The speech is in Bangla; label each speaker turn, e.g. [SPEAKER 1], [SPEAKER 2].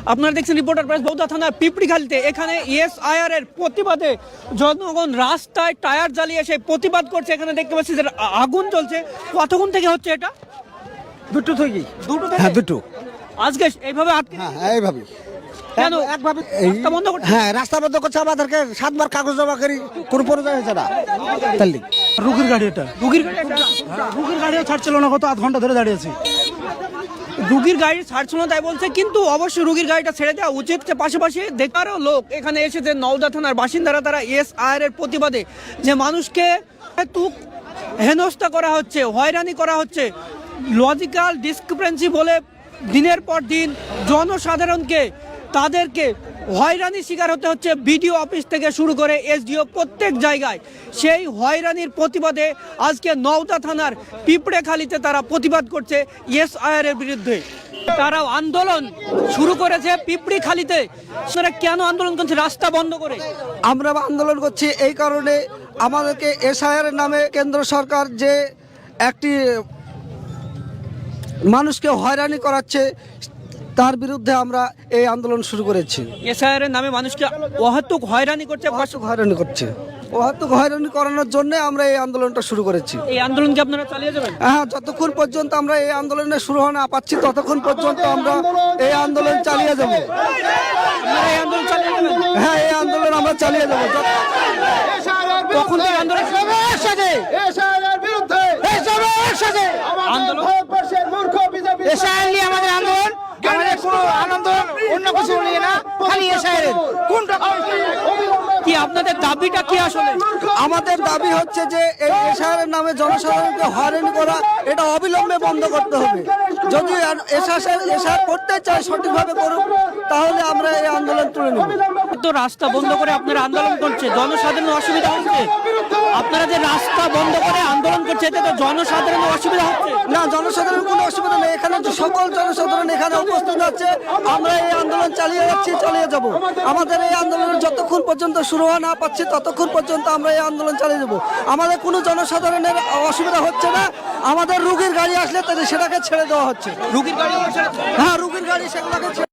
[SPEAKER 1] আপনারা দেখছেন রিপোর্টার প্রেস বৌদ্ধা থানার পিপড়িখালিতে। এখানে ইএসআইআর এর প্রতিবাদে জনগণ রাস্তায় টায়ার জ্বালিয়ে এসে প্রতিবাদ করছে। এখানে দেখতে পাচ্ছি যে আগুন জ্বলছে। কতক্ষণ থেকে হচ্ছে এটা?
[SPEAKER 2] দুটো থেকে।
[SPEAKER 1] দুটো থেকে?
[SPEAKER 2] হ্যাঁ দুটো।
[SPEAKER 1] আজকে এইভাবে আটকে
[SPEAKER 2] হ্যাঁ এইভাবে
[SPEAKER 1] কেন?
[SPEAKER 2] একভাবে
[SPEAKER 1] রাস্তা বন্ধ করছে?
[SPEAKER 2] হ্যাঁ রাস্তা বন্ধ করছে, আমাদেরকে 7বার কাগজ জমা করি, কোনো পরিচয় হয়েছে না। তাহলে
[SPEAKER 3] রুগীর গাড়ি এটা,
[SPEAKER 1] রুগীর গাড়ি এটা?
[SPEAKER 3] রুগীর গাড়িও ছাড়ছিল না, কত আধ ঘন্টা ধরে দাঁড়িয়েছি।
[SPEAKER 1] রুগীর গাড়ি ছাড়ছিল না তাই বলছে, কিন্তু অবশ্যই রুগীর গাড়িটা ছেড়ে দেওয়া উচিত। পাশাপাশি দেখারও লোক এখানে এসেছে, নওদা থানার বাসিন্দারা, তারা ইএসআইআর এর প্রতিবাদে যে মানুষকে হেনস্থা করা হচ্ছে, হয়রানি করা হচ্ছে, লজিক্যাল ডিসক্রিপেন্সি বলে দিনের পর দিন জনসাধারণকে তাদেরকে হয়রানি শিকার হতে হচ্ছে। বিডিও অফিস থেকে শুরু করে এসডিও প্রত্যেক জায়গায় সেই হয়রানির প্রতিবাদে আজকে নওদা থানার পিঁপড়েখালিতে তারা প্রতিবাদ করছে ইএসআইআর এর বিরুদ্ধে। তারাও আন্দোলন শুরু করেছে পিঁপড়িখালিতে। সেটা কেন আন্দোলন করছে? রাস্তা বন্ধ করে।
[SPEAKER 2] আমরা আন্দোলন করছি এই কারণে, আমাদেরকে এসআইআর নামে কেন্দ্র সরকার যে একটি মানুষকে হয়রানি করাচ্ছে, তার বিরুদ্ধে আমরা এই আন্দোলন শুরু করেছি।
[SPEAKER 1] এসআইআর এর নামে মানুষকে অহেতুক হয়রানি করছে।
[SPEAKER 2] হয়রানি করছে, অহেতুক হয়রানি করানোর জন্য আমরা এই আন্দোলনটা শুরু করেছি।
[SPEAKER 1] এই আন্দোলনকে আপনারা চালিয়ে যাবেন?
[SPEAKER 2] হ্যাঁ, যতক্ষণ পর্যন্ত আমরা এই আন্দোলনে শুরু না পাচ্ছি ততক্ষণ পর্যন্ত আমরা এই আন্দোলন চালিয়ে যাব।
[SPEAKER 1] আপনারা এই আন্দোলন চালিয়ে যাবেন?
[SPEAKER 2] হ্যাঁ, এই আন্দোলন আমরা চালিয়ে যাব।
[SPEAKER 1] কখন থেকে আন্দোলন? আন্দোলন
[SPEAKER 3] আমাদের আন্দোলন, আমাদের কোনো আনন্দ অন্য কিছু নিয়ে না, খালি এসআইআর কোনটা
[SPEAKER 1] কি আপনাদের দাবিটা কি আসলে?
[SPEAKER 2] আমাদের দাবি হচ্ছে যে এই এসআইআর নামে জনসাধারণকে হয়রানি করা, এটা অবিলম্বে বন্ধ করতে হবে। যদি এসআইআর করতে চায় সঠিকভাবে করুক, তাহলে আমরা এই আন্দোলন তুলে নেব।
[SPEAKER 1] তো রাস্তা বন্ধ করে আপনারা আন্দোলন করছে, জনসাধারণের অসুবিধা হচ্ছে। আপনারা যে রাস্তা বন্ধ করে আন্দোলন করছে, এতে তো জনসাধারণের অসুবিধা হচ্ছে
[SPEAKER 2] না, জনসাধারণের কোনো অসুবিধা নেই। এখানে যে সকল জনসাধারণ এখানে উপস্থিত আছে, আমরা এই আন্দোলন চালিয়ে যাচ্ছি, চালিয়ে যাব। আমাদের এই আন্দোলনের যতক্ষণ পর্যন্ত শুরু না পাচ্ছি ততক্ষণ পর্যন্ত আমরা এই আন্দোলন চালিয়ে যাব। আমাদের কোনো জনসাধারণের অসুবিধা হচ্ছে না। আমাদের রুগীর গাড়ি আসলে সেটাকে ছেড়ে দেওয়া হচ্ছে।
[SPEAKER 1] রুগীর গাড়ি?
[SPEAKER 2] হ্যাঁ, রুগীর গাড়ি সেগুলোকে